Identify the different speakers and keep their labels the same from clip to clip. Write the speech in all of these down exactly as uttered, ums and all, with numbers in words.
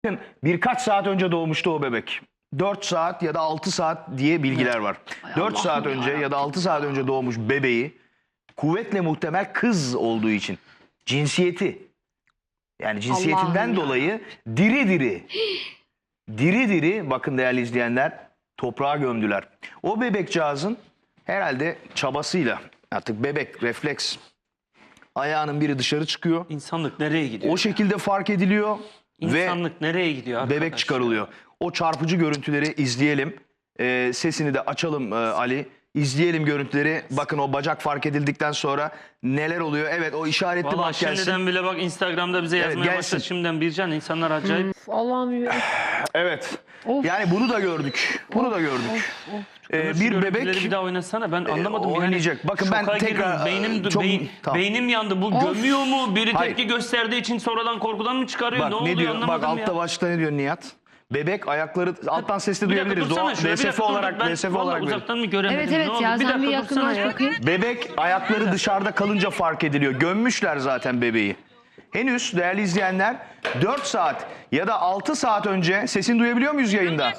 Speaker 1: Birkaç saat önce doğmuştu o bebek. dört saat ya da altı saat diye bilgiler var. dört saat önce ya da altı saat önce doğmuş bebeği kuvvetle muhtemel kız olduğu için cinsiyeti, yani cinsiyetinden
Speaker 2: Allah'ım
Speaker 1: dolayı diri diri diri diri bakın değerli izleyenler toprağa gömdüler. O bebekcağızın herhalde çabasıyla artık bebek refleks ayağının biri dışarı çıkıyor.
Speaker 3: İnsanlık nereye gidiyor?
Speaker 1: O şekilde fark ediliyor ve
Speaker 3: İnsanlık nereye gidiyor arkadaş?
Speaker 1: bebek çıkarılıyor. O çarpıcı görüntüleri izleyelim. Ee, sesini de açalım e, Ali. İzleyelim görüntüleri. Bakın o bacak fark edildikten sonra neler oluyor. Evet o işaretli
Speaker 3: Valla
Speaker 1: bak gelsin.
Speaker 3: şimdiden bile bak Instagram'da bize yazmaya
Speaker 1: gelsin.
Speaker 3: başladı. Şimdiden Bircan insanlar acayip.
Speaker 2: Of, Allah'ım ya.
Speaker 1: Evet.
Speaker 2: Of.
Speaker 1: Yani bunu da gördük. Bunu da gördük.
Speaker 2: Of, of.
Speaker 1: Ee,
Speaker 3: Ömür, şu
Speaker 1: bir
Speaker 3: görüntüleri
Speaker 1: bebek
Speaker 3: bir daha oynasana, ben anlamadım.
Speaker 1: e, oynayacak.
Speaker 3: Yani,
Speaker 1: Bakın ben
Speaker 3: şoka
Speaker 1: tekrar,
Speaker 3: girdim. Beynim,
Speaker 1: çok-
Speaker 3: beyin,
Speaker 1: tamam.
Speaker 3: beynim yandı. Bu
Speaker 2: Of.
Speaker 3: gömüyor mu? Biri
Speaker 1: Hayır.
Speaker 3: tepki gösterdiği için sonradan korkudan mı çıkarıyor?
Speaker 1: bak
Speaker 3: ne
Speaker 1: ne,
Speaker 3: oluyor
Speaker 1: diyor? Bak
Speaker 3: anlamadım ya.
Speaker 1: altta başta ne diyor Nihat? Bebek ayakları alttan sesli
Speaker 3: Bir dakika
Speaker 1: duyabiliriz.
Speaker 3: dursana
Speaker 1: Doğa,
Speaker 3: şuraya, bir
Speaker 1: D S F
Speaker 3: dakika dur, dur.
Speaker 1: olarak
Speaker 3: Ben
Speaker 1: D S F
Speaker 3: vallahi
Speaker 1: olarak verin.
Speaker 3: uzaktan mı göremedim?
Speaker 2: Evet
Speaker 3: Ne
Speaker 2: evet
Speaker 3: oldu?
Speaker 2: ya
Speaker 3: Bir
Speaker 2: sen bir
Speaker 3: dakika dursana
Speaker 2: yakınlaş
Speaker 3: ya.
Speaker 2: bakayım.
Speaker 1: Bebek ayakları dışarıda kalınca fark ediliyor. Gömmüşler zaten bebeği. Henüz değerli izleyenler dört saat ya da altı saat önce sesini duyabiliyor muyuz yayında?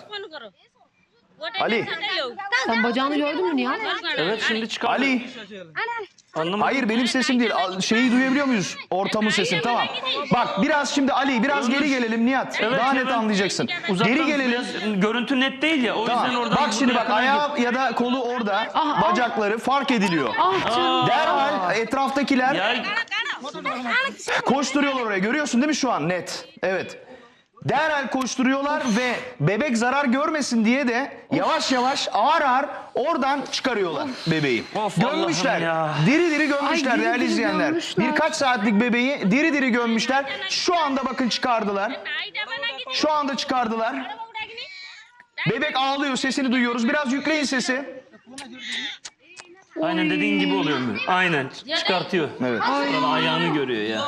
Speaker 1: Ali.
Speaker 2: Sen bacağını gördün mü Nihat?
Speaker 3: Evet şimdi çıkardı.
Speaker 1: Ali.
Speaker 3: Anlamadım.
Speaker 1: Hayır benim sesim değil. Al- Şeyi duyabiliyor muyuz? Ortamın sesini. Tamam. Bak biraz şimdi Ali biraz geri gelelim Nihat.
Speaker 3: Evet,
Speaker 1: Daha net
Speaker 3: evet.
Speaker 1: anlayacaksın.
Speaker 3: Uzaktan
Speaker 1: Geri gelelim.
Speaker 3: biraz görüntü net değil ya. O yüzden
Speaker 1: Tamam.
Speaker 3: oradan
Speaker 1: Bak şimdi bak
Speaker 3: yakına
Speaker 1: ayağı ya da kolu orada.
Speaker 2: Ah, ah.
Speaker 1: Bacakları fark ediliyor.
Speaker 2: Ah canım.
Speaker 1: Derhal etraftakiler
Speaker 3: Ya
Speaker 1: koşturuyorlar oraya. Görüyorsun değil mi şu an net? Evet. Derhal koşturuyorlar ve bebek zarar görmesin diye de yavaş yavaş ağır ağır oradan çıkarıyorlar bebeği.
Speaker 3: Of,
Speaker 1: Gömmüşler.
Speaker 3: Allah'ım ya.
Speaker 1: Diri diri gömmüşler
Speaker 2: Ay, diri
Speaker 1: değerli
Speaker 2: diri
Speaker 1: izleyenler.
Speaker 2: gömmüşler.
Speaker 1: Birkaç saatlik bebeği diri diri gömmüşler. Şu anda bakın çıkardılar. Şu anda çıkardılar. Bebek ağlıyor, sesini duyuyoruz. Biraz yükleyin sesi.
Speaker 3: aynen dediğin gibi oluyor mu? Aynen çıkartıyor.
Speaker 1: Evet.
Speaker 3: Sonra ayağını görüyor ya.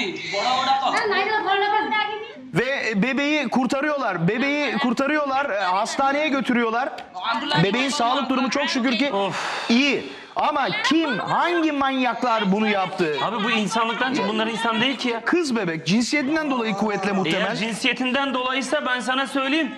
Speaker 1: Ve bebeği kurtarıyorlar. Bebeği kurtarıyorlar. e, Hastaneye götürüyorlar. Bebeğin sağlık durumu çok şükür ki
Speaker 3: Of.
Speaker 1: iyi. Ama kim, hangi manyaklar bunu yaptı?
Speaker 3: Abi bu insanlıktan çık. Bunlar insan değil ki ya.
Speaker 1: Kız bebek cinsiyetinden dolayı kuvvetle
Speaker 3: Eğer
Speaker 1: muhtemel.
Speaker 3: cinsiyetinden dolayıysa ben sana söyleyeyim.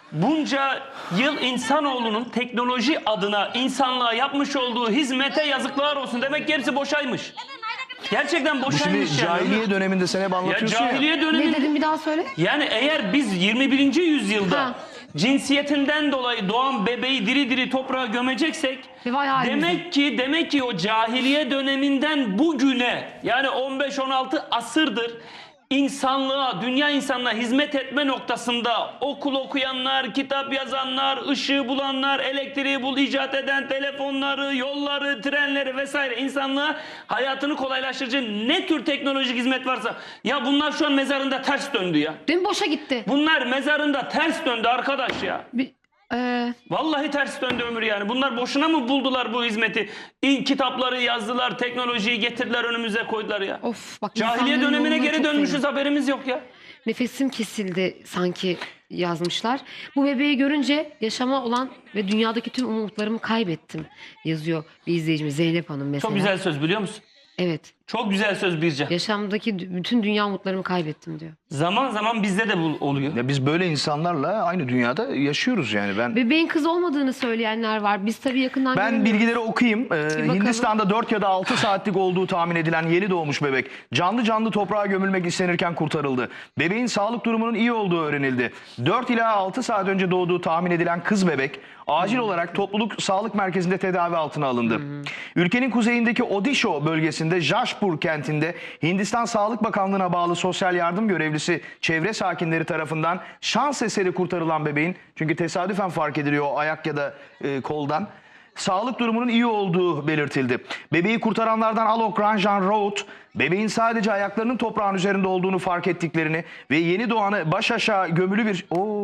Speaker 3: Bunca yıl insanoğlunun teknoloji adına insanlığa yapmış olduğu hizmete yazıklar olsun. Demek ki hepsi boşaymış. Gerçekten
Speaker 1: Bu şimdi
Speaker 3: boşaymış yani.
Speaker 1: cahiliye döneminde sen hep
Speaker 3: Ya
Speaker 1: anlatıyorsun ya.
Speaker 3: cahiliye
Speaker 2: Ne
Speaker 3: dönemi.
Speaker 2: dedin bir daha söyle.
Speaker 3: Yani eğer biz yirmi birinci yüzyılda
Speaker 2: Ha.
Speaker 3: cinsiyetinden dolayı doğan bebeği diri diri toprağa gömeceksek
Speaker 2: Ve vay halimize.
Speaker 3: demek ki demek ki o cahiliye döneminden bugüne yani on beş on altı asırdır insanlığa, dünya insanlığa hizmet etme noktasında okul okuyanlar, kitap yazanlar, ışığı bulanlar, elektriği bul icat eden telefonları, yolları, trenleri vesaire insanlığa hayatını kolaylaştırıcı ne tür teknolojik hizmet varsa ya bunlar şu an mezarında ters döndü ya.
Speaker 2: Dün boşa gitti.
Speaker 3: Bunlar mezarında ters döndü arkadaş ya.
Speaker 2: Bir, e,
Speaker 3: Vallahi ters döndü ömür yani. Bunlar boşuna mı buldular bu hizmeti? İlk kitapları yazdılar, teknolojiyi getirdiler önümüze koydular ya.
Speaker 2: of bak.
Speaker 3: Cahiliye
Speaker 2: insanların
Speaker 3: dönemine
Speaker 2: yoluna
Speaker 3: geri
Speaker 2: çok
Speaker 3: dönmüşüz,
Speaker 2: sevindim.
Speaker 3: haberimiz yok ya.
Speaker 2: Nefesim kesildi sanki yazmışlar. Bu bebeği görünce yaşama olan ve dünyadaki tüm umutlarımı kaybettim yazıyor bir izleyicimiz Zeynep Hanım mesela.
Speaker 3: Çok güzel söz biliyor musun?
Speaker 2: Evet.
Speaker 3: Çok güzel söz Bircan.
Speaker 2: Yaşamdaki dü- bütün dünya umutlarımı kaybettim diyor.
Speaker 3: Zaman zaman bizde de bu oluyor.
Speaker 1: Ya biz böyle insanlarla aynı dünyada yaşıyoruz yani. Ben
Speaker 2: Bebeğin kız olmadığını söyleyenler var. Biz tabii yakından
Speaker 1: Ben
Speaker 2: görmüyoruz.
Speaker 1: bilgileri okuyayım. Ee,
Speaker 2: bakalım.
Speaker 1: Hindistan'da dört ya da altı saatlik olduğu tahmin edilen yeni doğmuş bebek canlı canlı toprağa gömülmek istenirken kurtarıldı. Bebeğin sağlık durumunun iyi olduğu öğrenildi. dört ila altı saat önce doğduğu tahmin edilen kız bebek acil olarak topluluk sağlık merkezinde tedavi altına alındı. Ülkenin kuzeyindeki Odisha bölgesinde Jashpur kentinde Hindistan Sağlık Bakanlığı'na bağlı sosyal yardım görevlisi çevre sakinleri tarafından şans eseri kurtarılan bebeğin, çünkü tesadüfen fark ediliyor o ayak ya da e, koldan, sağlık durumunun iyi olduğu belirtildi. Bebeği kurtaranlardan Alok Ranjan Raut, bebeğin sadece ayaklarının toprağın üzerinde olduğunu fark ettiklerini ve yeni doğanı baş aşağı gömülü bir...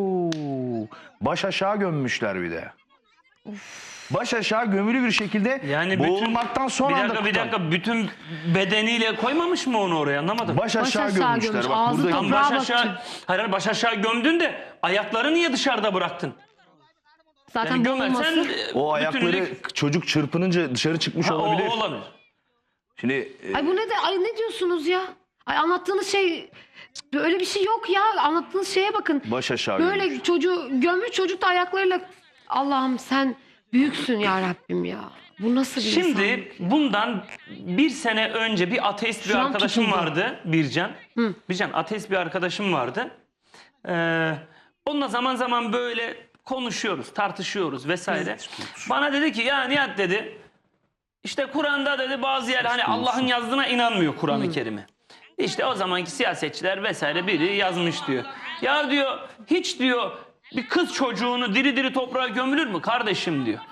Speaker 1: Oo, baş aşağı gömmüşler bir de. Baş aşağı gömülü bir şekilde
Speaker 3: Yani bütün,
Speaker 1: boğulmaktan son
Speaker 3: bir
Speaker 1: anda
Speaker 3: dakika bir
Speaker 1: kurtardı.
Speaker 3: dakika bütün bedeniyle koymamış mı onu oraya, anlamadım.
Speaker 1: Baş aşağı,
Speaker 2: aşağı
Speaker 1: gömmüşler.
Speaker 2: gömmüş,
Speaker 1: Bak
Speaker 2: ağzı
Speaker 1: burada
Speaker 3: Tam
Speaker 2: toprağa
Speaker 3: baş
Speaker 2: baktı.
Speaker 3: aşağı, hayır hayır, baş aşağı gömdün de ayakları niye dışarıda bıraktın?
Speaker 2: Zaten
Speaker 3: Yani
Speaker 2: boğulması.
Speaker 3: gömersen e,
Speaker 1: o ayakları
Speaker 3: bütünlük-
Speaker 1: çocuk çırpınınca dışarı çıkmış
Speaker 3: Ha, o-
Speaker 1: olabilir.
Speaker 3: o olabilir.
Speaker 1: Şimdi e,
Speaker 2: Ay bu ne de ay ne diyorsunuz ya? Ay anlattığınız şey öyle bir şey yok ya. Anlattığınız şeye bakın.
Speaker 1: Baş aşağı
Speaker 2: Böyle
Speaker 1: gömülmüş.
Speaker 2: çocuğu gömmüş, çocuk da ayaklarıyla Allah'ım sen büyüksün ya Rabbim ya. Bu nasıl bir
Speaker 3: Şimdi
Speaker 2: insan?
Speaker 3: bundan bir sene önce bir ateist bir
Speaker 2: Şu an
Speaker 3: arkadaşım
Speaker 2: tutuldu.
Speaker 3: vardı Bircan.
Speaker 2: Hı.
Speaker 3: Bircan ateist bir arkadaşım vardı. Ee, onunla zaman zaman böyle konuşuyoruz, tartışıyoruz vesaire. Bana dedi ki ya Nihat dedi işte Kur'an'da dedi bazı yer hani Allah'ın yazdığına inanmıyor Kur'an-ı Kerim'e. İşte o zamanki siyasetçiler vesaire biri yazmış diyor. Ya diyor hiç diyor bir kız çocuğunu diri diri toprağa gömülür mü kardeşim diyor.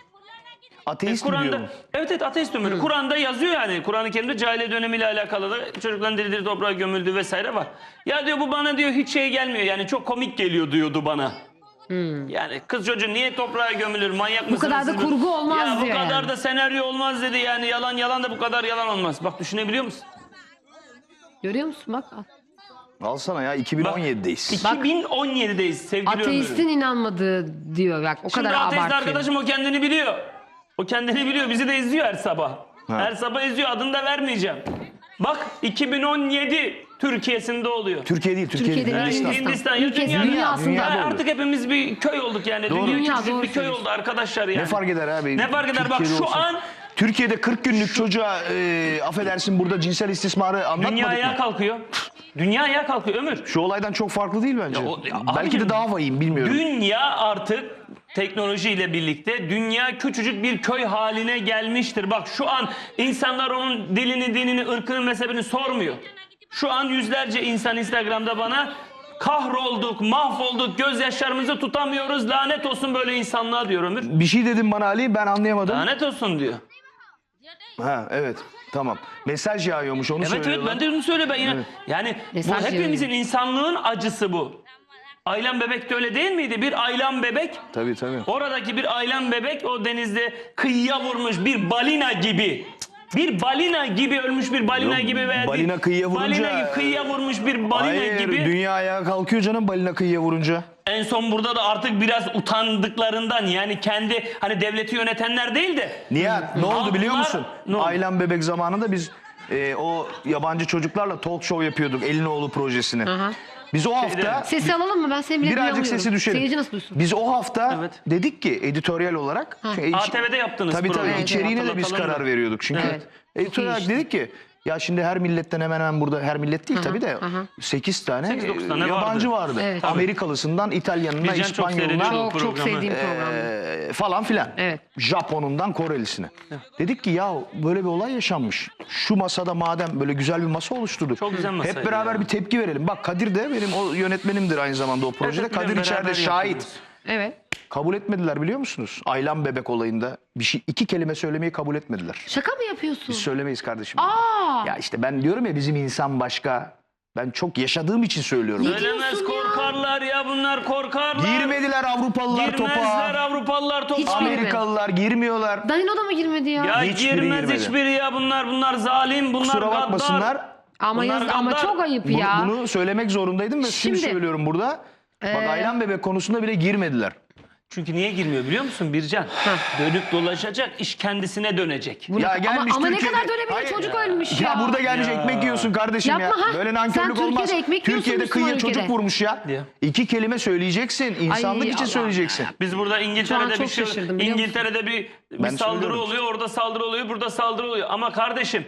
Speaker 1: Ateist mi diyor
Speaker 3: Kur'an'da
Speaker 1: bu?
Speaker 3: evet evet ateist ömürü. Kur'an'da yazıyor yani. Kur'an-ı Kerim'de cahiliye dönemiyle alakalı da çocukların diri diri toprağa gömüldüğü vesaire var. Ya diyor bu bana diyor hiç şey gelmiyor. Yani çok komik geliyor diyordu bana. Yani kız çocuğu niye toprağa gömülür? Manyak mısınız?
Speaker 2: kadar da
Speaker 3: siz?
Speaker 2: kurgu olmaz
Speaker 3: ya,
Speaker 2: diyor
Speaker 3: bu kadar
Speaker 2: yani.
Speaker 3: da senaryo olmaz dedi yani. Yalan yalan da bu kadar yalan olmaz. Bak düşünebiliyor musun?
Speaker 2: Görüyor musun bak.
Speaker 1: Alsana ya iki bin on yedideyiz.
Speaker 3: iki bin on yedideyiz sevgili
Speaker 2: Ateistin
Speaker 3: ömrüm.
Speaker 2: inanmadığı diyor bak o
Speaker 3: Şimdi
Speaker 2: kadar
Speaker 3: ateist
Speaker 2: abartıyor.
Speaker 3: arkadaşım o kendini biliyor. O kendini biliyor. Bizi de izliyor her sabah.
Speaker 1: Ha.
Speaker 3: Her sabah izliyor. Adını da vermeyeceğim. Bak iki bin on yedi Türkiye'sinde oluyor.
Speaker 1: Türkiye değil, Türkiye
Speaker 2: Türkiye
Speaker 1: değil.
Speaker 2: değil,
Speaker 1: Hindistan.
Speaker 2: Hindistan.
Speaker 3: Hindistan ya
Speaker 2: Ülkesi,
Speaker 3: dünya,
Speaker 2: dünyasında.
Speaker 3: Ya
Speaker 1: Dünyada
Speaker 3: artık hepimiz bir köy olduk yani.
Speaker 1: Doğru.
Speaker 3: Dünya,
Speaker 2: Dünya,
Speaker 3: küçücük
Speaker 2: doğru
Speaker 3: bir köy
Speaker 2: söylüyorsun.
Speaker 3: oldu arkadaşlar yani.
Speaker 1: Ne fark eder abi?
Speaker 3: Ne fark eder? Bak
Speaker 1: Türkiye'de
Speaker 3: şu
Speaker 1: olsa.
Speaker 3: an
Speaker 1: Türkiye'de kırk günlük çocuğa e, affedersin burada cinsel istismarı
Speaker 3: dünya
Speaker 1: anlatmadık
Speaker 3: ayağa
Speaker 1: mı?
Speaker 3: kalkıyor. Dünya ayağa kalkıyor Ömür.
Speaker 1: Şu olaydan çok farklı değil bence.
Speaker 3: Ya o- ya
Speaker 1: Belki
Speaker 3: abicim,
Speaker 1: de daha vahim bilmiyorum.
Speaker 3: Dünya artık teknolojiyle birlikte dünya küçücük bir köy haline gelmiştir. Bak şu an insanlar onun dilini, dinini, ırkını, mezhebini sormuyor. Şu an yüzlerce insan Instagram'da bana kahrolduk, mahvolduk, gözyaşlarımızı tutamıyoruz, lanet olsun böyle insanlığa diyor Ömür.
Speaker 1: Bir şey dedim bana Ali, ben anlayamadım.
Speaker 3: Lanet olsun diyor.
Speaker 1: Ha evet, tamam. Mesaj yağıyormuş, onu
Speaker 3: Evet evet
Speaker 1: söylüyorlar.
Speaker 3: ben de onu söyle ben yine.
Speaker 1: Evet.
Speaker 3: Yani
Speaker 2: Mesaj
Speaker 3: bu hepimizin
Speaker 2: yayıyor.
Speaker 3: insanlığın acısı bu. Aylan Bebek de öyle değil miydi? Bir Aylan Bebek.
Speaker 1: Tabii tabii.
Speaker 3: Oradaki bir Aylan Bebek o denizde kıyıya vurmuş bir balina gibi. Bir balina gibi ölmüş bir balina
Speaker 1: Yok,
Speaker 3: gibi veya
Speaker 1: balina
Speaker 3: bir-
Speaker 1: kıyıya vurunca-
Speaker 3: balina gibi kıyıya vurmuş bir balina
Speaker 1: Hayır,
Speaker 3: gibi.
Speaker 1: dünya ayağa kalkıyor canım balina kıyıya vurunca.
Speaker 3: En son burada da artık biraz utandıklarından yani kendi hani devleti yönetenler değil de
Speaker 1: Nihat ne oldu biliyor
Speaker 3: Halklar-
Speaker 1: musun?
Speaker 3: Ne oldu?
Speaker 1: Aylan Bebek zamanında biz e, o yabancı çocuklarla talk show yapıyorduk. Elinoğlu projesini.
Speaker 2: Aha.
Speaker 1: Biz o hafta
Speaker 2: Sesi alalım mı? Ben seni bile
Speaker 1: birazcık
Speaker 2: duyamıyorum.
Speaker 1: sesi düşelim.
Speaker 2: Seyirci nasıl duysun?
Speaker 1: Biz o hafta
Speaker 3: Evet.
Speaker 1: dedik ki editoryal olarak. Çünkü
Speaker 3: A T V'de yaptınız
Speaker 1: Tabii tabii
Speaker 3: programı.
Speaker 2: Evet,
Speaker 1: içeriğine de biz
Speaker 3: Hatırlatalım
Speaker 1: karar
Speaker 3: da.
Speaker 1: veriyorduk çünkü.
Speaker 2: Evet.
Speaker 1: Editoryal
Speaker 2: Çok iyi
Speaker 1: olarak dedik ki ya şimdi her milletten hemen hemen burada her millet değil
Speaker 2: Aha,
Speaker 1: tabii de
Speaker 2: aha.
Speaker 1: sekiz tane,
Speaker 3: Sekiz, dokuz
Speaker 1: e,
Speaker 3: tane
Speaker 1: yabancı vardı.
Speaker 2: vardı. Evet. Tabii.
Speaker 1: Amerikalısından İtalyanına,
Speaker 3: Bircan çok
Speaker 1: İspanyoluna
Speaker 3: seyrediyor.
Speaker 2: Çok çok
Speaker 3: programı.
Speaker 2: sevdiğim program.
Speaker 1: e, falan filan.
Speaker 2: Evet.
Speaker 1: Japon'undan Korelisine. Dedik ki ya böyle bir olay yaşanmış. Şu masada madem böyle güzel bir masa oluşturduk.
Speaker 3: Çok güzel masaydı
Speaker 1: Hep beraber
Speaker 3: ya.
Speaker 1: bir tepki verelim. Bak Kadir de benim o yönetmenimdir aynı zamanda o projede.
Speaker 3: Evet,
Speaker 1: Kadir
Speaker 3: beraber
Speaker 1: içeride şahit.
Speaker 3: yapıyoruz.
Speaker 2: Evet.
Speaker 1: Kabul etmediler biliyor musunuz? Aylan Bebek olayında bir şey iki kelime söylemeyi kabul etmediler.
Speaker 2: Şaka mı yapıyorsun?
Speaker 1: Biz söylemeyiz kardeşim.
Speaker 2: Aa!
Speaker 1: Ya işte ben diyorum ya bizim insan başka. Ben çok yaşadığım için söylüyorum.
Speaker 3: Söylemez
Speaker 2: diyorsun ya?
Speaker 3: korkarlar ya bunlar korkarlar.
Speaker 1: Girmediler Avrupalılar
Speaker 3: Girmezler
Speaker 1: topa.
Speaker 3: Avrupalılar topa.
Speaker 2: Hiçbiri.
Speaker 1: Amerikalılar girmiyorlar.
Speaker 2: Danilo da mı girmedi ya?
Speaker 3: Ya
Speaker 1: Hiçbiri
Speaker 3: girmez
Speaker 1: girmedi.
Speaker 3: hiçbiri ya bunlar bunlar zalim bunlar
Speaker 1: Kusura
Speaker 3: gaddar.
Speaker 1: bakmasınlar.
Speaker 2: ama
Speaker 3: bunlar
Speaker 2: yaz, ama
Speaker 3: gaddar.
Speaker 2: çok ayıp
Speaker 1: Bunu,
Speaker 2: ya.
Speaker 1: bunu söylemek zorundaydım ve şimdi,
Speaker 2: Şimdi,
Speaker 1: söylüyorum burada. Bak
Speaker 2: Ee,
Speaker 1: Aylan Bebek konusunda bile girmediler.
Speaker 3: Çünkü niye girmiyor biliyor musun Bircan? Dönüp dolaşacak iş kendisine dönecek.
Speaker 2: Bu ne-
Speaker 1: Ya
Speaker 2: ama,
Speaker 1: gelmiş
Speaker 2: ama ne
Speaker 1: Türkiye'de-
Speaker 2: kadar dönebilir
Speaker 1: Hayır
Speaker 2: çocuk
Speaker 1: ya.
Speaker 2: ölmüş ya.
Speaker 1: Ya burada gelmiş
Speaker 3: Ya.
Speaker 1: ekmek yiyorsun kardeşim
Speaker 2: Yapma
Speaker 1: ya.
Speaker 2: ha.
Speaker 1: Böyle
Speaker 2: Sen
Speaker 1: nankörlük olmaz.
Speaker 2: Türkiye'de ekmek yiyorsun
Speaker 1: Türkiye'de
Speaker 2: Müslüman
Speaker 1: kıyıya çocuk
Speaker 2: ülkede.
Speaker 1: vurmuş ya.
Speaker 3: Ya.
Speaker 1: İki kelime söyleyeceksin. İnsanlık
Speaker 2: Ay,
Speaker 1: için
Speaker 2: Allah.
Speaker 1: söyleyeceksin.
Speaker 3: Biz burada
Speaker 2: Şu an
Speaker 3: İngiltere'de bir
Speaker 2: çok
Speaker 3: şey
Speaker 2: şaşırdım, biliyor musun?
Speaker 3: İngiltere'de bir, bir
Speaker 1: Ben
Speaker 3: saldırı
Speaker 1: söylüyorum.
Speaker 3: oluyor, orada saldırı oluyor, burada saldırı oluyor. Ama kardeşim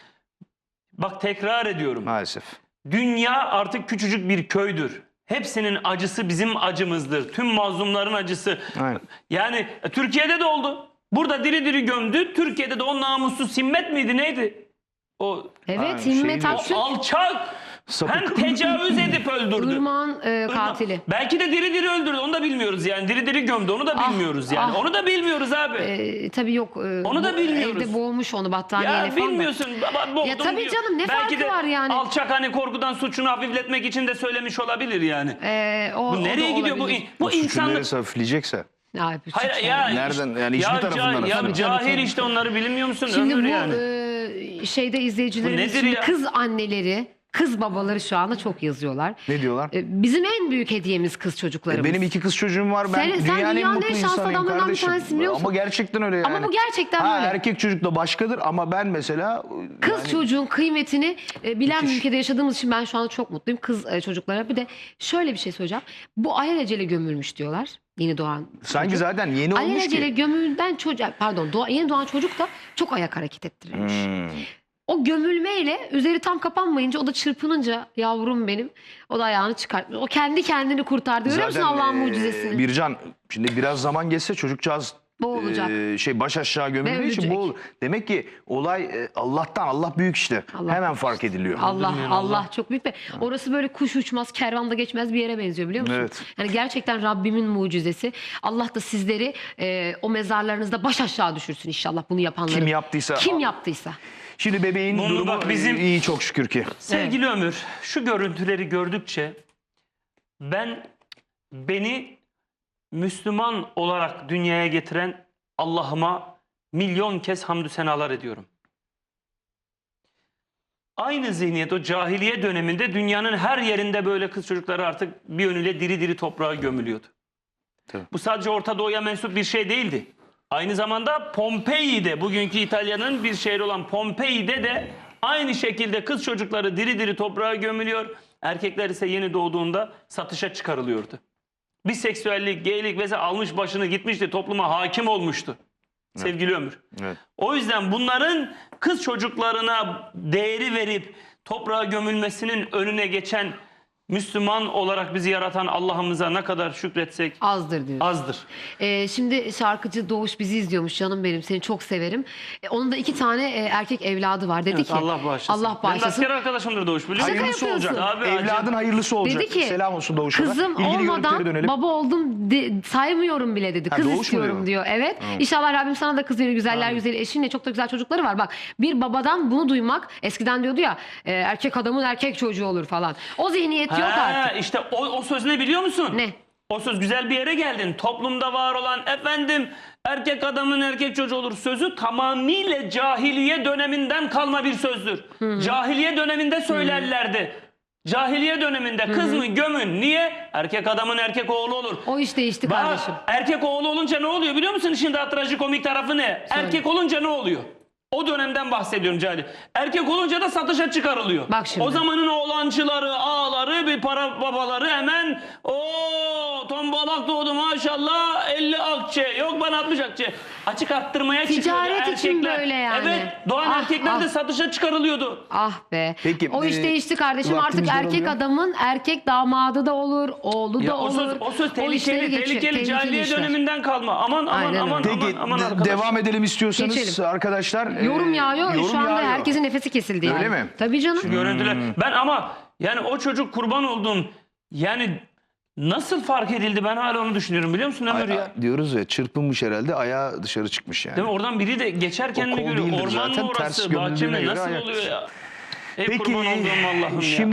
Speaker 3: bak tekrar ediyorum.
Speaker 1: Maalesef.
Speaker 3: Dünya artık küçücük bir köydür. Hepsinin acısı bizim acımızdır. Tüm mazlumların acısı.
Speaker 1: Aynen.
Speaker 3: Yani e, Türkiye'de de oldu. Burada diri diri gömdü. Türkiye'de de o namussuz Simmet miydi neydi? O,
Speaker 2: Evet,
Speaker 1: Ha, şey
Speaker 2: Himmet
Speaker 1: diyor.
Speaker 2: Aksün.
Speaker 3: o alçak
Speaker 1: Sapık.
Speaker 3: hem tecavüz edip öldürdü.
Speaker 2: Irmak'ın e, katili.
Speaker 3: Belki de diri diri öldürdü. Onu da bilmiyoruz yani. Diri diri gömdü. Onu da
Speaker 2: Ah,
Speaker 3: bilmiyoruz yani.
Speaker 2: ah.
Speaker 3: Onu da bilmiyoruz abi.
Speaker 2: E, tabii yok. e,
Speaker 3: Onu da
Speaker 2: bu-
Speaker 3: bilmiyoruz.
Speaker 2: Evde boğmuş onu battaniyeyle
Speaker 3: Ya
Speaker 2: falan. da.
Speaker 3: bilmiyorsun. Baba, boğdum
Speaker 2: Ya tabii
Speaker 3: diyor.
Speaker 2: canım, ne
Speaker 3: Belki
Speaker 2: farkı
Speaker 3: de
Speaker 2: var yani?
Speaker 3: alçak hani korkudan suçunu hafifletmek için de söylemiş olabilir yani.
Speaker 2: E, o, o
Speaker 3: Bu
Speaker 2: da
Speaker 3: nereye gidiyor bu?
Speaker 2: olabilir.
Speaker 3: Bu
Speaker 1: Suçun
Speaker 3: insanlık.
Speaker 1: neresi hafifleyecekse.
Speaker 2: Ya, bir
Speaker 3: Hayır
Speaker 2: suç
Speaker 3: ya.
Speaker 2: yani.
Speaker 1: Nereden? Yani hiçbir
Speaker 3: ya,
Speaker 1: tarafından
Speaker 3: ca- ya
Speaker 1: aslında.
Speaker 3: cahil
Speaker 2: tabii.
Speaker 3: işte onları bilmiyor musun?
Speaker 2: Şimdi
Speaker 3: Ömür
Speaker 2: bu
Speaker 3: yani.
Speaker 2: e, şeyde izleyicilerimiz
Speaker 3: Bu nedir
Speaker 2: şimdi
Speaker 3: ya?
Speaker 2: kız anneleri Kız babaları şu anda çok yazıyorlar.
Speaker 1: Ne diyorlar?
Speaker 2: E, Bizim en büyük hediyemiz kız çocuklarımız.
Speaker 1: Benim iki kız çocuğum var. Ben
Speaker 2: Sen- sen
Speaker 1: dünyanın en
Speaker 2: dünyanın
Speaker 1: mutlu
Speaker 2: en şanslı
Speaker 1: insanıyım
Speaker 2: adamlarından bir
Speaker 1: kardeşim.
Speaker 2: tanesi biliyor musun?
Speaker 1: Ama gerçekten öyle yani.
Speaker 2: Ama bu gerçekten
Speaker 1: ha,
Speaker 2: böyle.
Speaker 1: Erkek çocuk da başkadır ama ben mesela...
Speaker 2: Kız
Speaker 1: yani-
Speaker 2: çocuğun kıymetini e, bilen bir
Speaker 1: Müthiş.
Speaker 2: ülkede yaşadığımız için ben şu anda çok mutluyum. Kız e, çocuklara bir de şöyle bir şey söyleyeceğim. Bu alelacele gömülmüş diyorlar. Yeni doğan
Speaker 1: Sanki
Speaker 2: çocuk.
Speaker 1: zaten yeni olmuş
Speaker 2: Alelacele
Speaker 1: ki.
Speaker 2: gömülden çocuk, pardon doğa, yeni doğan çocuk da çok ayak hareket ettirilmiş.
Speaker 1: Hmm.
Speaker 2: O gömülmeyle üzeri tam kapanmayınca o da çırpınınca yavrum benim o da ayağını çıkartmış. O kendi kendini kurtardı. Görüyor musun
Speaker 1: Zaten,
Speaker 2: Allah'ın
Speaker 1: e,
Speaker 2: mucizesini?
Speaker 1: Bircan şimdi biraz zaman geçse çocukcağız
Speaker 2: Boğulacak.
Speaker 1: e, şey baş aşağı gömüldüğü için
Speaker 2: ölecek.
Speaker 1: boğul. Demek ki olay e, Allah'tan, Allah büyük işte.
Speaker 2: Allah
Speaker 1: Hemen
Speaker 2: büyük.
Speaker 1: fark ediliyor.
Speaker 2: Allah
Speaker 3: Öldürmeyen
Speaker 2: Allah
Speaker 3: Allah.
Speaker 2: çok büyük ve orası böyle kuş uçmaz, kervan da geçmez bir yere benziyor biliyor musun?
Speaker 1: Evet.
Speaker 2: Yani gerçekten Rabbimin mucizesi. Allah da sizleri e, o mezarlarınızda baş aşağı düşürsün inşallah bunu yapanları.
Speaker 1: Kim yaptıysa.
Speaker 2: Kim yaptıysa.
Speaker 1: Şimdi bebeğin
Speaker 3: Bunu
Speaker 1: durumu
Speaker 3: bak bizim-
Speaker 1: e, iyi çok şükür ki.
Speaker 3: Sevgili Ömür, şu görüntüleri gördükçe ben beni Müslüman olarak dünyaya getiren Allah'ıma milyon kez hamdü senalar ediyorum. Aynı zihniyet o cahiliye döneminde dünyanın her yerinde böyle kız çocukları artık bir yönüyle diri diri toprağa gömülüyordu.
Speaker 1: Tabii.
Speaker 3: Bu sadece Orta Doğu'ya mensup bir şey değildi. Aynı zamanda Pompei'de, bugünkü İtalya'nın bir şehri olan Pompei'de de aynı şekilde kız çocukları diri diri toprağa gömülüyor. Erkekler ise yeni doğduğunda satışa çıkarılıyordu. Biseksüellik, geylik vesaire almış başını gitmişti, topluma hakim olmuştu. Sevgili Ömür.
Speaker 1: Evet.
Speaker 3: O yüzden bunların kız çocuklarına değeri verip toprağa gömülmesinin önüne geçen Müslüman olarak bizi yaratan Allah'ımıza ne kadar şükretsek
Speaker 2: Azdır diyor.
Speaker 3: azdır.
Speaker 2: Ee, şimdi şarkıcı Doğuş bizi izliyormuş canım benim seni çok severim. Ee, onun da iki tane e, erkek evladı var dedi
Speaker 3: Evet,
Speaker 2: ki.
Speaker 3: Allah bağışlasın.
Speaker 2: Allah
Speaker 3: Benim de
Speaker 2: bağışlasın.
Speaker 3: asker arkadaşımdır Doğuş biliyor musun?
Speaker 1: Hayırlısı
Speaker 2: yapıyorsun.
Speaker 1: olacak.
Speaker 3: Abi,
Speaker 1: Evladın
Speaker 3: acı.
Speaker 1: hayırlısı olacak.
Speaker 2: Dedi ki
Speaker 1: Selam olsun Doğuş'a da.
Speaker 2: kızım
Speaker 1: İlgili görüntülere
Speaker 2: olmadan
Speaker 1: dönelim.
Speaker 2: baba oldum de- saymıyorum bile dedi.
Speaker 1: Ha,
Speaker 2: Kız
Speaker 1: Doğuş mu
Speaker 2: istiyorum
Speaker 1: diyor?
Speaker 2: diyor. Evet. İnşallah Rabbim sana da kız verir. Güzeller güzeli eşinle çok da güzel çocukları var. Bak bir babadan bunu duymak eskiden diyordu ya e, erkek adamın erkek çocuğu olur falan. O zihniyet yok
Speaker 3: Ha,
Speaker 2: artık.
Speaker 3: işte o, o söz ne biliyor musun?
Speaker 2: Ne?
Speaker 3: O söz güzel bir yere geldin. Toplumda var olan efendim erkek adamın erkek çocuğu olur sözü tamamıyla cahiliye döneminden kalma bir sözdür. Cahiliye döneminde söylerlerdi. Cahiliye döneminde kız mı gömün. Niye? Erkek adamın erkek oğlu olur.
Speaker 2: O iş değişti
Speaker 3: Bak,
Speaker 2: kardeşim.
Speaker 3: erkek oğlu olunca ne oluyor biliyor musun? İşin daha trajikomik tarafı ne? Erkek olunca ne oluyor? O dönemden bahsediyorum Cahil. Erkek olunca da satışa çıkarılıyor.
Speaker 2: Bak şimdi.
Speaker 3: O zamanın oğlancıları, ağaları, bir para babaları hemen o tombalak doğdu maşallah elli akçe. Yok bana altmış akçe. Açık arttırmaya çıkıyordu
Speaker 2: Ticaret için
Speaker 3: erkekler.
Speaker 2: böyle yani.
Speaker 3: Evet. Doğan
Speaker 2: Ah,
Speaker 3: erkekler
Speaker 2: ah.
Speaker 3: de satışa çıkarılıyordu.
Speaker 2: Ah be.
Speaker 1: Peki,
Speaker 2: o iş
Speaker 1: e,
Speaker 2: değişti kardeşim. Artık
Speaker 1: vaktimiz
Speaker 2: erkek
Speaker 1: daralıyor.
Speaker 2: adamın erkek damadı da olur, oğlu
Speaker 3: Ya
Speaker 2: da
Speaker 3: o
Speaker 2: olur.
Speaker 3: söz, o söz
Speaker 2: O işleri
Speaker 3: tehlikeli,
Speaker 2: geçiyor,
Speaker 3: tehlikeli. Cahiliye
Speaker 2: işler.
Speaker 3: döneminden kalma. Aman aman
Speaker 2: Aynen
Speaker 3: aman
Speaker 2: öyle.
Speaker 3: aman
Speaker 1: Peki
Speaker 3: aman
Speaker 1: de-
Speaker 3: arkadaş.
Speaker 1: devam edelim istiyorsanız
Speaker 2: Geçelim.
Speaker 1: arkadaşlar.
Speaker 2: Yorum
Speaker 1: e,
Speaker 2: yağıyor.
Speaker 1: yorum
Speaker 2: Şu anda
Speaker 1: yağıyor.
Speaker 2: herkesin nefesi kesildi yani.
Speaker 1: Öyle mi?
Speaker 2: Tabii canım.
Speaker 3: Görüntüler.
Speaker 1: Hmm.
Speaker 3: Ben ama yani o çocuk kurban olduğum yani nasıl fark edildi ben hala onu düşünüyorum biliyor musun Ömür ya?
Speaker 1: Ay- diyoruz ya çırpınmış herhalde ayağı dışarı çıkmış yani.
Speaker 3: Değil mi? Oradan biri de geçerken
Speaker 1: O
Speaker 3: mi
Speaker 1: kol
Speaker 3: görüyor?
Speaker 1: değildir
Speaker 3: Orman
Speaker 1: zaten,
Speaker 3: mı
Speaker 1: ters
Speaker 3: orası?
Speaker 1: gömüldüğüne
Speaker 3: Bahçe mi?
Speaker 1: göre
Speaker 3: Nasıl
Speaker 1: ayak.
Speaker 3: oluyor ya? Ey
Speaker 1: Peki
Speaker 3: kurban olduğum Allah'ım ya.
Speaker 1: şimdi